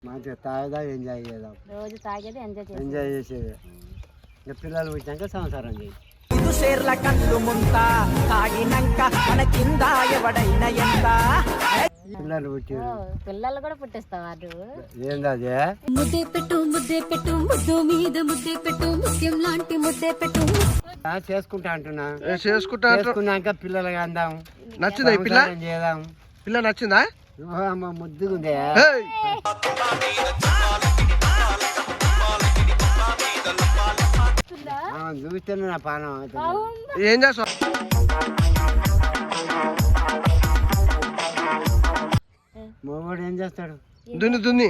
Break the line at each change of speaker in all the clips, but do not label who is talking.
మంచిగా తాగదా ఎంజాయ్ చేద్దాం.
రోజు తాగేది
ఎంజాయ్ చేసేది. ఇంకా పిల్లలు పుట్టినాక సంసారం చేయి. పిల్లలు పుట్టి
పిల్లలు కూడా పుట్టిస్తావు.
ఏందదే
ముద్దే పెట్టు ముద్దు మీద ముద్దే పెట్టు ముత్యం లాంటి ముద్దే పెట్టు.
చేసుకుంటా అంటున్నా.
చేసుకున్నాక
పిల్లలు అందాం.
నచ్చిందా ఈ పిల్ల?
చేద్దాం.
పిల్ల నచ్చిందా?
అమ్మ ముద్దుగుందే. చూస్తేనే నా పానం అవుతుంది.
ఏం చేస్తావు?
మొగోడు ఏం చేస్తాడు?
దున్ని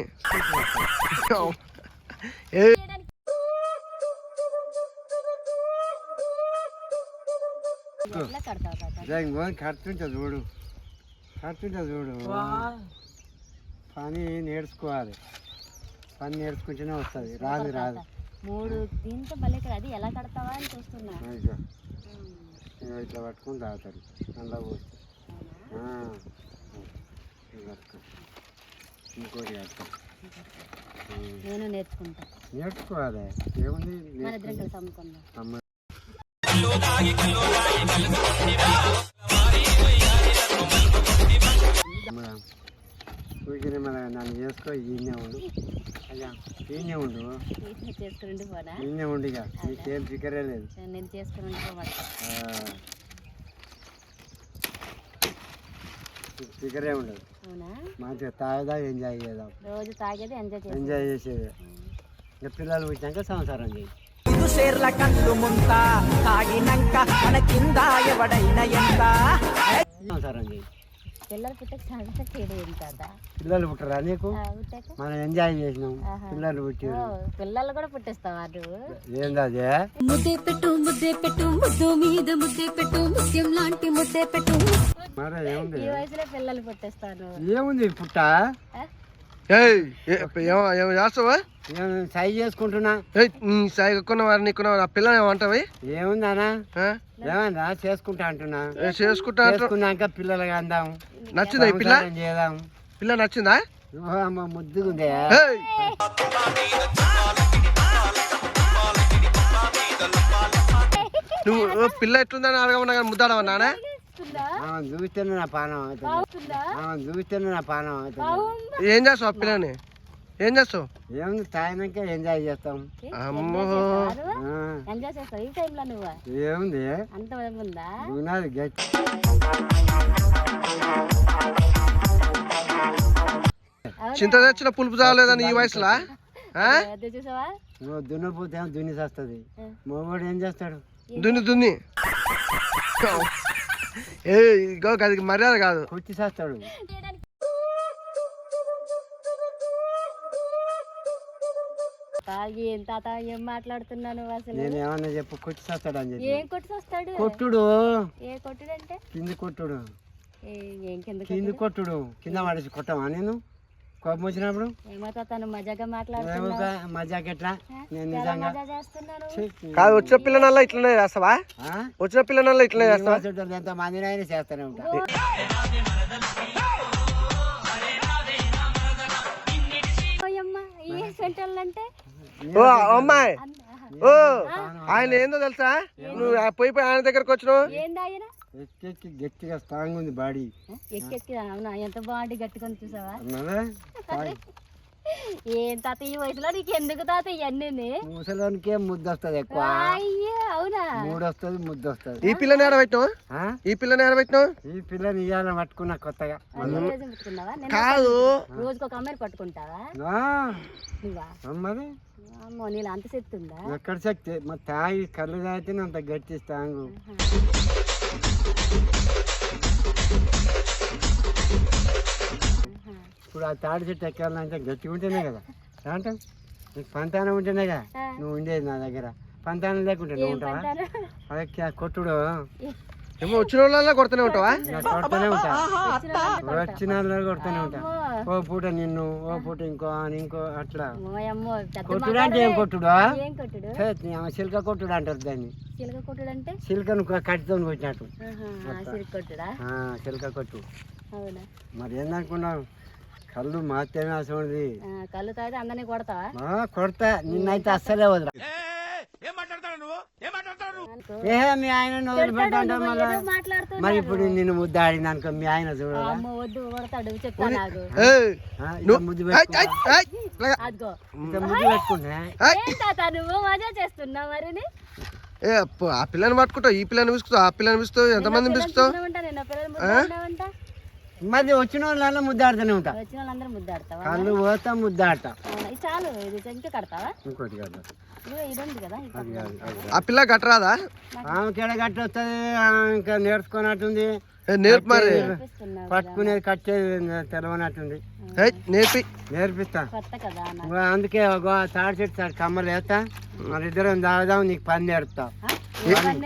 కడుతుంటా చూడు, పని నేర్చుకోవాలి. పని నేర్చుకుంటేనే వస్తుంది. రాదు
మూడు దీంతో భలే అది ఎలా కడతావా అని చూస్తున్నా.
ఇట్లా పట్టుకుని తాగుతారు. అందులో పోసి ఇంకోటి
నేను
నేర్చుకోవాలి. ఏముంది,
మన ఇద్దరం కలిసి అమ్ముకుందాం.
నన్ను చేసుకో. ఈయనే ఉండు అయ్యా, ఈయనే ఉండు. ఈయనే ఉండు. ఇక నీకేం ఫికరే లేదు.
నేను చేసుకుని
ఫికరే ఉండదు. మంచిగా తాగదా ఎంజాయ్ చేద్దాం.
రోజు తాగేది
ఎంజాయ్ చేసేది. ఇంకా పిల్లలు పుట్టినాక సంసారం చేయి. సంసారం చేయి. పిల్లలు పుట్టరా నీకు? మనం ఎంజాయ్ చేసినాం. పిల్లలు పుట్టి
పిల్లలు కూడా పుట్టిస్తావా?
ఏందదే
ముద్దే పెట్టు ముద్దు మీద ముద్దే పెట్టు ముత్యం లాంటి ముద్దే పెట్టు.
మరి ఏముంది,
ఈ వయసులో పిల్లలు పుట్టిస్తాను.
ఏముంది పుట్ట
చేస్తావా?
సై చేసుకుంటున్నా.
సాయి కొన్నవారు నీకున్నవారు. ఆ పిల్లని ఏమంటావు?
ఏముందనా ఏమన్నా చేసుకుంటా అంటున్నా.
చేసుకున్నాక
పిల్లలు అందాం.
నచ్చిందా ఈ పిల్ల?
చేద్దాం.
పిల్ల నచ్చిందా?
అమ్మ ముద్దుగుందే.
నువ్వు పిల్ల ఎట్లుందని అడగమన్నా కానీ ముద్దాడమన్నానా?
చూస్తేనే నా పానం అవుతుంది.
ఏం చేస్తావు ఆ పిల్లని? ఏం చేస్తావు?
ఏముంది, తాగినాక ఎంజాయ్ చేస్తాం.
అమ్మో
ఏముంది, గట్టి
చింత తెచ్చిన పులుపు చాలేదని ఈ వయసులా?
నువ్వు దున్నపోతే ఏమో దున్ని చేస్తుంది. మొగోడు ఏం చేస్తాడు?
దున్ని అది మర్యాద కాదు.
కొట్టి చేస్తాడు.
తాత ఏం మాట్లాడుతున్నాను అసలు?
నేను ఏమన్నా చెప్పు. కొట్టి చేస్తాడు అని చెప్పి.
ఏం కొట్టి చేస్తాడు?
కొట్టుడు.
ఏ కొట్టుడు అంటే?
కింది కొట్టుడు.
కింది
కొట్టుడు. కింద పడేసి కొట్టమా నేను కోపం వచ్చినప్పుడు?
ఏమో తాత మజాగా మాట్లాడుతున్నా.
మజాక్ ఎట్లా? నేను నిజంగా
కాదు. వచ్చిన పిల్లనల్లా ఇట్లనే చేస్తావా? వచ్చిన పిల్లనల్లా ఇట్లనే చేస్తావా?
ఎంత మందినైనా చేస్తూనే ఉంటా.
అమ్మాయి ఆయన ఏందో తెలుసా? నువ్వు పోయి ఆయన దగ్గరకు వచ్చినావు.
ఎక్కెక్కి గట్టిగా స్ట్రాంగ్ ఉంది బాడీ.
అవునా? ఎంత బాడీ గట్టిగా చూసావా? ఏం తాత ఈ వయసులో నీకు ఎందుకు తాత ఇవన్నీ?
ముసలోనికే ముద్దు వస్తుంది ఎక్కువ.
అవునా?
మూడు వస్తుంది, ముద్దు వస్తుంది.
ఈ పిల్లని ఏడబెట్టినావు? ఈ పిల్లని ఏడబెట్టినావు?
ఈ పిల్లని ఇవాళ పట్టుకున్నా కొత్తగా.
కాదు,
రోజుకి ఒక అమ్మాయిని పట్టుకుంటావా నువ్వా?
మరి
అమ్మో, నీళ్ళు అంత శక్తి ఉందా?
ఎక్కడ శక్తి? మరి తాగి కళ్ళు తాగితేనే అంత గట్టి స్ట్రాంగ్. ఇప్పుడు ఆ తాడి చెట్టు ఎక్కాలంటే గట్టిగా ఉంటేనే కదా. అంటే నీకు పంతానం ఉంటేనే కదా నువ్వు ఉండేది నా దగ్గర. పంతానం లేకుంటే నువ్వు ఉంటావా? అదే కొట్టుడు.
ఏమో వచ్చిన వాళ్ళ కొడుతూనే ఉంటావా?
కొడుతూనే ఉంటా. వచ్చిన కొడుతూనే ఉంటా. ఓ పూట నిన్ను, ఓ పూట ఇంకో అట్లా. కొట్టుడు అంటే ఏం కొట్టుడు? చిలక కొట్టుడు అంటారు దాన్ని. చిలకను కట్టితో కొట్టినట్టు చిలక కొట్టు. మరి ఏందనుకున్నావు? కళ్ళు మాత్రమే అసలు
కళ్ళు తాగితే అందరినీ కొడతావా?
కొడతా నిన్నైతే అస్సలే వదరా. ఏ మీ ఆయన వదిలిపెట్టా మళ్ళీ
మాట్లాడుతున్నా
మరి ఇప్పుడు నిన్ను ముద్ద ఆడింది అనుకో మీ ఆయన చూడాలా
అమ్మ వద్దు కొడతాడు చెప్తా నాకు.
ముద్దు పెట్టుకుంటా
అదిగో
ముద్దు పెట్టుకున్నా
ఏం తాత నువ్వు మజా చేస్తున్నావు మరి?
ఏ ఆ పిల్లని పట్టుకుంటావు, ఈ పిల్లని పిసుకుతావు, ఆ పిల్లని పిసుకుతావు, ఎంతమందిని పిసుకుతావు?
నిన్న పిల్లలు ముద్దాడినావంట.
మరి వచ్చిన వాళ్ళ ముద్దాడుతూనే ఉంటా.
వచ్చిన వాళ్ళందరూ ముద్దాడతావా?
కళ్ళు పోతా ముద్దాడతా.
ఇది చాలు, ఇది ఇంకా కడతావా?
ఇంకోటి కాదు
ఇదిగో ఇది ఉంది కదా ఇది
అది కాదు అది కాదు.
ఆ పిల్ల గట్టరాదా?
ఆమె గట్టి వస్తుంది ఇంకా నేర్చుకున్నట్టుంది.
నేర్పు మరి,
నేర్పిస్తున్నావు కదా.
పట్టుకునేది కట్టేది తెలవనట్టుంది.
నేర్పి
నేర్పిస్తా.
కొత్త కదా నాకు.
అందుకే ఒక తాడి చెట్టు తాడు కమ్మలు వేస్తా, మన ఇద్దరం తాగుదాం, నీకు పని నేర్పుతా.
ఇవన్నీ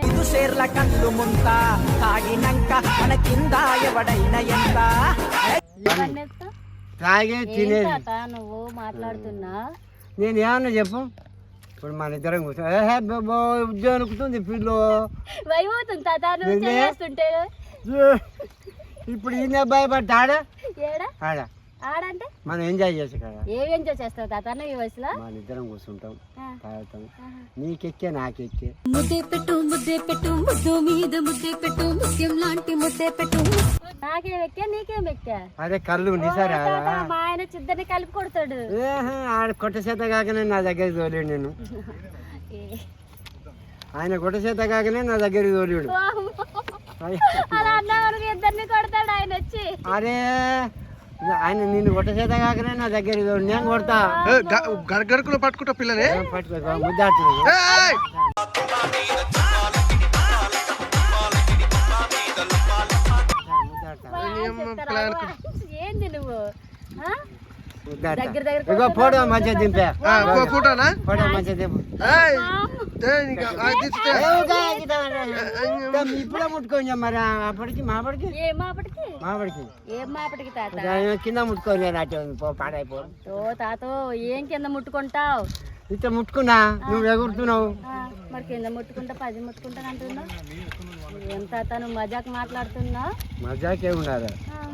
నేర్పుతా?
తాగే
ఏం
తినేది.
తాత నువ్వు మాట్లాడుతున్నా?
నేను ఏమన్నా చెప్పు. ఇప్పుడు మన ఇద్దరం కూర్చో ఉద్యోగం అనుకుతుంది పిల్లు.
భయమవుతుంది తాత నువ్వు
నిన్నే?
చేస్తుంటే.
ఇప్పుడు ఈయన భయపడ్డా
ఏడా
ఆడ
ఆడంటే
మనం ఎంజాయ్ చేసే కదా.
ఏం ఎంజాయ్ చేస్తావు తాత నువ్వు ఈ వయసులో?
మన ఇద్దరం కూర్చుంటాం,
ఆ.
తాగుతాం, నీకెక్కే నాకెక్కే.
ముద్దే పెట్టు ముద్దు మీద ముద్దే పెట్టు ముత్యం లాంటి ముద్దే పెట్టు.
నాకేం ఎక్కా నీకేం ఎక్కా?
అదే కళ్ళు నిసారా
తాత, మా ఆయన చిద్దరిని కలిపి కొడతాడు.
ఆడ కొట్ట చేత కాకనే నా దగ్గరికి తోలేడు నేను. ఆయన కొట్ట చేత కాకనే నా దగ్గరికి తోలేడు.
అలా అన్నా వరకు ఇద్దరిని కొడతాడు ఆయన వచ్చి.
అరే ఆయన నిన్ను కొట్ట చేత కాకనే నా దగ్గరికి తోడు, నేను కొడతా.
గడగడకులో పట్టుకుంటావు పిల్లని.
పట్టుకో ముద్దాడుతుంది.
ఏయ్!
ముద్దాడుతా
మా ఆయన చెప్తారా, అవ్వ, ఏంది నువ్వు ఆ?
ముద్దాడుతా.
దగ్గర
ఇగో ఫోటో మంచిగా దింపే.
ఫోటోనా?
ఫోటో మంచిగా దింపు.
ఏయ్! ఏయ్, ఇంకా ఆ దించితే.
ఇప్పుడే ముట్టుకోండి మరి అప్పటికి మాపడికి
ఏం మాపటికి
మాపడికి
ఏం మాపటికి తాత?
కింద ముట్టుకోని నాట్యం పాడైపో.
ఓ తాతో ఏం కింద ముట్టుకుంటావు?
ఇట్లా ముట్టుకున్నా నువ్వు ఎగురుతున్నావు.
మరి కింద ముట్టుకుంటా 10 ముట్టుకుంటాను అంటున్నావు. ఏం తాత నువ్వు మజాక్ మాట్లాడుతున్నావు?
మజాకే ఉండాలి.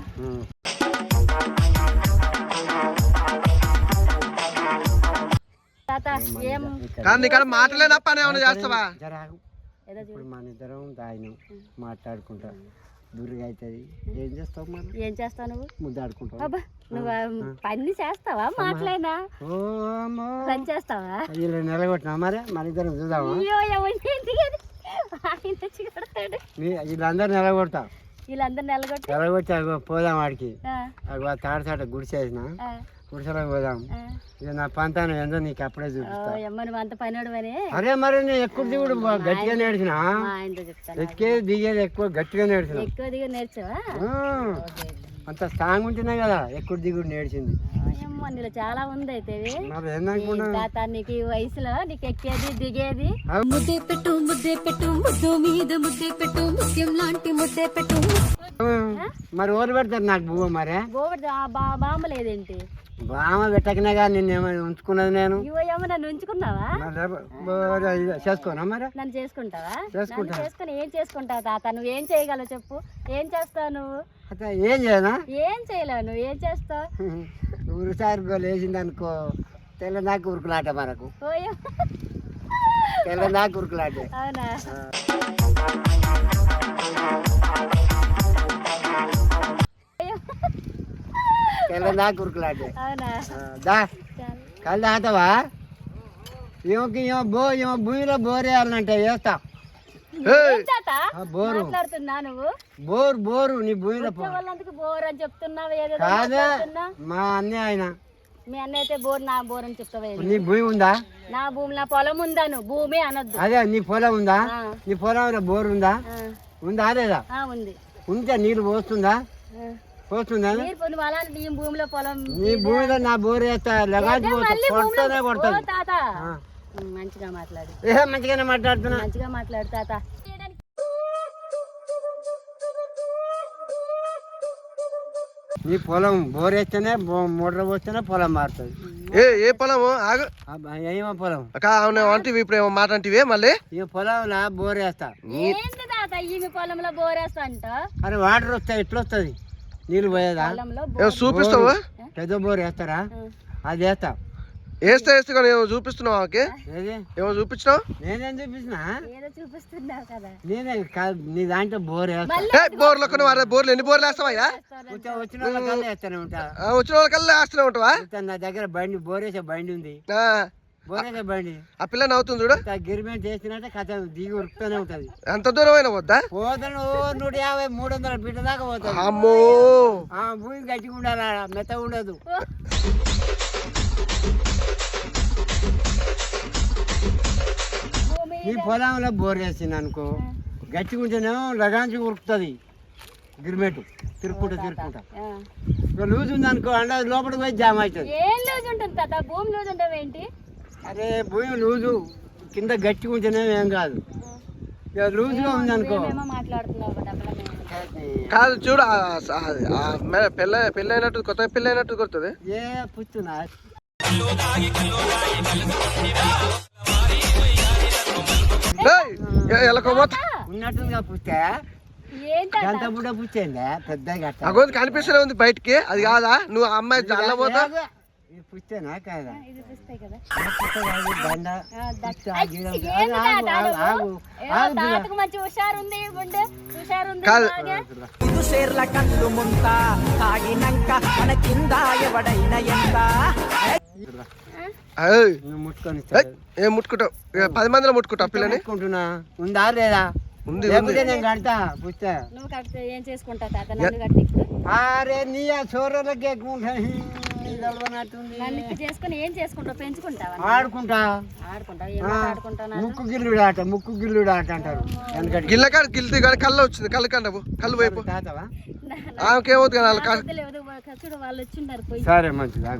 తాత ఏం
కానీ నీకాడ మాటలేనా పని ఏమైనా చేస్తావా?
జరాగు.
ఏదో చూడు.
ఇప్పుడు మన ఇద్దరం తాగినాం, మాట్లాడుకుంటా దుర్గా అవుతుంది. ఏం చేస్తావు మనం?
ఏం చేస్తావు నువ్వు?
ముద్దాడుకుంటావు.
అబ్బా నువ్వు పని చేస్తావా? మాటలేనా
ఓ అమ్మో,
పని చేస్తావా?
ఇలా నిలగొట్టినా మరి మన ఇద్దరం చూద్దామా?
అయ్యో ఎవరిని ఎందుకని? ఆయన వచ్చి కొడతాడు.
వీళ్ళందరూ నిలగొడతా.
వీళ్ళందరూ నిలగొట్టి
నిలగొట్టి అగో పోదాం వాడికి.
ఆ,
అగో తాడసాట గుడిసేసిన
ఆ,
గుడిసెలోకి పోదాం.
ఆ.
ఇక నా పంతాను ఏందో నీకు అప్పుడే
ఓ
చూపిస్తా.
అమ్మ నువ్వు అంత పనివాడు అని
అరే మరి నేను ఎక్కువ దిగుడు గట్టిగా నేర్చిన.
మా ఆయనతో చెప్తాను.
ఎక్కేది దిగేది ఎక్కువ గట్టిగా నేర్చిన.
ఎక్కువ దిగ నేర్చావా?
అంత స్ట్రాంగ్ ఉంటున్నాయి కదా, ఎక్కువ దిగుడు నేర్చింది.
అమ్మ నీలో చాలా ఉంది అయితే ఇవి.
మరి ఏందనుకున్నా
తాత నీకు ఈ వయసులో నీకు ఎక్కేది దిగేది.
ముద్దే పెట్టు ముద్దు మీద ముద్దే పెట్టు ముత్యం లాంటి ముద్దే పెట్టు.
మరి ఓరు పెడతారు నాకు బువ్వ. మరి
గోబడి బాంబ లేదేంటి?
బామ పెట్టకనే కానీ నిన్నేమైనా ఉంచుకున్నది నేను.
ఇవో ఏమో నన్ను ఉంచుకున్నావా?
చేసుకోనా మరి?
నన్ను చేసుకుంటావా?
చేసుకుంటా.
నన్ను చేసుకుని ఏం చేసుకుంటావు తాత? నువ్వు ఏం చేయగలవు చెప్పు? ఏం చేస్తావు నువ్వు?
అట్లా ఏం చేయనా?
ఏం చేయలేవు నువ్వు. ఏం చేస్తావు?
ఊరుసారి లేచింది అనుకో, తెల్లదాకా ఉరుకులాట మనకు.
ఓయో
తెల్లదాకా ఉరుకులాటే.
అవునా? అయ్యో.
తెల్లదాకా ఉరుకులాటే.
అవునా?
దా
చాలు.
కళ్ళు తాగుతావా? ఏమో భూమిలో బోర్ వేయాలంటే వేస్తా.
ఏం తాత
బోరు
మాట్లాడుతున్నా నువ్వు?
బోరు నీ భూమిలో
వాళ్ళందుకు బోర్ అని చెప్తున్నావు. ఏదో
కాదా
మాట్లాడుతున్నా.
మా అన్నయ్య ఆయన.
మీ అన్న అయితే బోర్ నా బోర్ అని చెప్తావా?
నీ భూమి ఉందా?
నా భూమి నా పొలం ఉందాను. భూమి అనొద్దు.
అదే నీ పొలం ఉందా?
ఆ.
నీ పొలంలో బోర్ ఉందా?
ఆ,
ఉందా? అదేదా
ఆ, ఉంది.
ఉంటే నీళ్ళు పోస్తుందా?
ఆ.
పోస్తుందా?
నీరు పొంది అలాంటి నీ భూమిలో పొలం
నీ భూమిలో నా బోర్ వేస్తా లగాచి
మళ్ళీ
కొడతానే
భూమిలో-
కొడతాను.
ఓ తాత
ఆ.
మంచిగా మాట్లాడు.
మంచిగానే మాట్లాడుతున్నా.
మంచిగా మాట్లాడు తాత.
నీ పొలం బోర్ వేస్తేనే మోటార్ పోస్తేనే పొలం మారుతుంది.
ఏ పొలము? ఆగు.
ఏమో పొలం
అక్క అవును అంటే ఇప్పుడు ఏమో మాట అంటే మళ్ళీ
ఈ పొలంలో బోర్ వేస్తా.
ఏంటి తాత ఈ మీ పొలంలో బోరేస్తా అంట?
అరే వాటర్ వస్తాయి ఎట్లా వస్తుంది? నీళ్ళు పోయేదా
పొలంలో
ఏమో చూపిస్తావా?
పెద్ద బోర్ వేస్తారా? అది వేస్తా.
వేస్తే కానీ ఏమో చూపిస్తున్నావు ఆమెకి?
ఏది
ఏమో చూపించినావు?
నేనేం చూపించిన?
ఏదో చూపిస్తున్నావు కదా.
నేనే కాదు, నీ దాంట్లో బోర్ వేస్తా.
బోర్లు కొన్ని బోర్లు ఎన్ని బోర్లు వేస్తావయ్యా?
వచ్చిన వాళ్ళకల్లా వేస్తానే ఉంటా.
వచ్చిన వాళ్ళకల్లా వేస్తూనే ఉంటావా?
నా దగ్గర బండి బోర్ వేసే బండి ఉంది.
ఆ,
బోర్ వేసే బండి
ఆ పిల్ల నవ్వుతుంది చూడు.
గిరిమెంట్ చేసినట్టే కథ దిగి ఉరుకుతూనే ఉంటది.
ఎంత దూరం అయినా పోద్దా?
పోతాను 150 300 ఫీట్ల దాకా పోతాను.
అమ్మో,
భూమి గట్టిగా ఉండాలి, మెత్తగా ఉండదు.
భూమి
ఈ పొలంలో బోర్ వేసింది అనుకో, గట్టిగా ఉంటేనేమో లగాంచి ఉరుకుతుంది గిరిమెట్ తిరుక్కుంటా.
ఆ.
లూజ్ ఉంది అనుకో, అండ లోపలికి పోయి జామ్ అవుతుంది.
ఏం లూజ్ ఉంటుంది తాత? భూమి లూజ్ ఉండవు ఏంటి?
అరే భూమి లూజు కింద గట్టిగా ఉంటేనే ఏం కాదు. ఇక లూజ్గా ఉంది అనుకో.
ఏమో మాట్లాడుతున్నావు కదా అప్పుడు.
కాదు చూడు, పెళ్ళి అయినట్టు కొత్త పెళ్ళి అయినట్టు కొడుతుంది.
ఏ పుచ్చునా
ఎలకోపోతా
ఉన్నట్టుందిగా పుస్తే,
ఏంటి
గంట బుడ్డ పుచ్చేందా పెద్దగా అట్ట.
అగోది కనిపిస్తూనే ఉంది బయటికి. అది కాదా? నువ్వు ఆ అమ్మాయి చల్లబోతా?
ఇది పుస్తేనా కాదా?
ఇది చూస్తాయి కదా.
పుస్తే కాదు, బండ
ఆ,
పుస్తే,
దట్-
ఆగి,
అచ్చి,
ఆగు,
ఏంది
ఆగు,
తాత
ఆగు,
నువ్వు?
ఆగు,
ఏమో
ఆగు,
తాతకు మంచి హుషారుంది, గుండె హుషారుంది
కాదు.
బాగా.
షేర్ల కళ్ళు ముంత తాగినంక మన కింద ఎవడైనా ఎంత
ఏయ్,
నువ్వు ముట్టుకొని
ఏయ్, ఏం ముట్టుకుంటావు? 10 మందిలో ముట్టుకుంటావు పిల్లని?
ముట్టుకుంటున్నా. ఉందా లేదా?
ఉంది,
లేకపోతే నేను కడతా పుస్తే.
నువ్వు కడితే ఏం చేసుకుంటావు తాత? నన్ను కడితే ఇప్పుడు
అరే నీ ఆ చోరలకి ఎక్కువ నడుతుంది.
నన్ను ఇప్పుడు చేసుకుని ఏం చేసుకుంటావు? పెంచుకుంటావా?
ఆడుకుంటా.
ఆడుకుంటావు? ఏమో ఆడుకుంటావు?
ముక్కు గిల్లుడు ఆట, ముక్కు గిల్లుడు ఆట అంటారు. ఎందుకంటే
గిల్లకాడ గిల్ది కానీ కళ్ళు వచ్చింది. కళ్ళు కండవు, కళ్ళు వైపు
తాతవా?
ఆమెకేమవుతుంది కదా
చూడు వాళ్ళు వచ్చిండారు పోయి.
సరే మంచిది.